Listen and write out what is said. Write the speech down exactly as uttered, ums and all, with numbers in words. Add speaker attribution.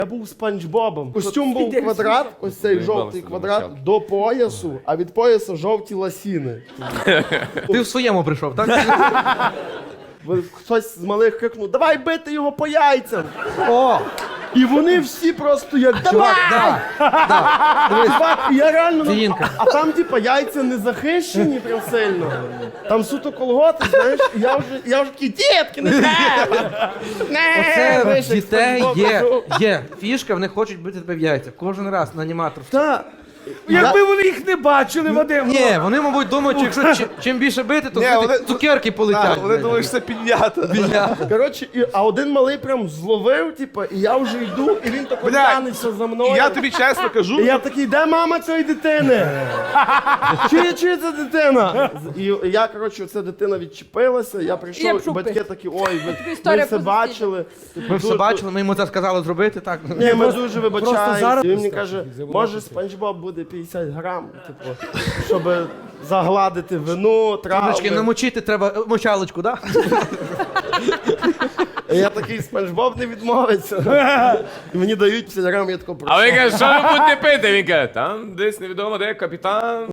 Speaker 1: Я був Спанч Бобом. Костюм був квадрат, ось цей жовтий квадрат, до поясу, а від пояса жовті ласіни.
Speaker 2: Ти в своєму прийшов, так?
Speaker 1: Хтось з малих крикнув, давай бити його по яйцям.
Speaker 2: О!
Speaker 1: І вони всі просто як, давай!
Speaker 2: Да, да.
Speaker 1: Чувак, і я реально, ну,
Speaker 2: Фіїнка.
Speaker 1: а там типа яйця не захищені прям сильно. Там суто колготи, знаєш, і я вже, я вже такий, дітки, не треба! Не,
Speaker 2: Це
Speaker 1: вийшов,
Speaker 2: в дітей
Speaker 1: Спанч Боб,
Speaker 2: є,
Speaker 1: кажу.
Speaker 2: є фішка, вони хочуть бити тебе в яйця. Кожен раз на аніматор.
Speaker 1: Та,
Speaker 3: Якби вони їх не бачили, Вадим.
Speaker 2: Ні, вони, мабуть, думають, що якщо чим, чим більше бити, то
Speaker 4: Ні,
Speaker 2: знаєте,
Speaker 4: вони-
Speaker 2: цукерки полетять.
Speaker 4: Вони думають, що це піднята.
Speaker 1: коротше, і, а один малий прям зловив, типа, і я вже йду, і він тако
Speaker 4: Бля,
Speaker 1: тянеться за мною.
Speaker 4: І я тобі чесно кажу,
Speaker 1: І я такий, де мама цієї дитини? Чи, чи це дитина? І я, коротше, ця дитина відчепилася, я
Speaker 5: Я
Speaker 1: прийшов, і
Speaker 5: пішов
Speaker 1: батьки
Speaker 5: пити.
Speaker 1: такі, ой, ви, ви
Speaker 5: історія
Speaker 1: все
Speaker 5: позитивна.
Speaker 1: бачили.
Speaker 2: Ми все бачили, ми йому це сказали зробити, так.
Speaker 1: Ні, ми дуже вибачаємося.
Speaker 3: зараз-
Speaker 1: І він мені каже, може Спанч Боб буде п'ятдесят грам, типу, щоб загладити вину,
Speaker 2: Трошки
Speaker 1: травми.
Speaker 2: намочити треба е, мочалочку, так?
Speaker 1: І я такий, Спанч Боб не відмовиться. І мені дають п'ятдесят грам, я тако прошу.
Speaker 6: А ви каже, що ви будете пити? Він каже, там десь невідомо де капітан.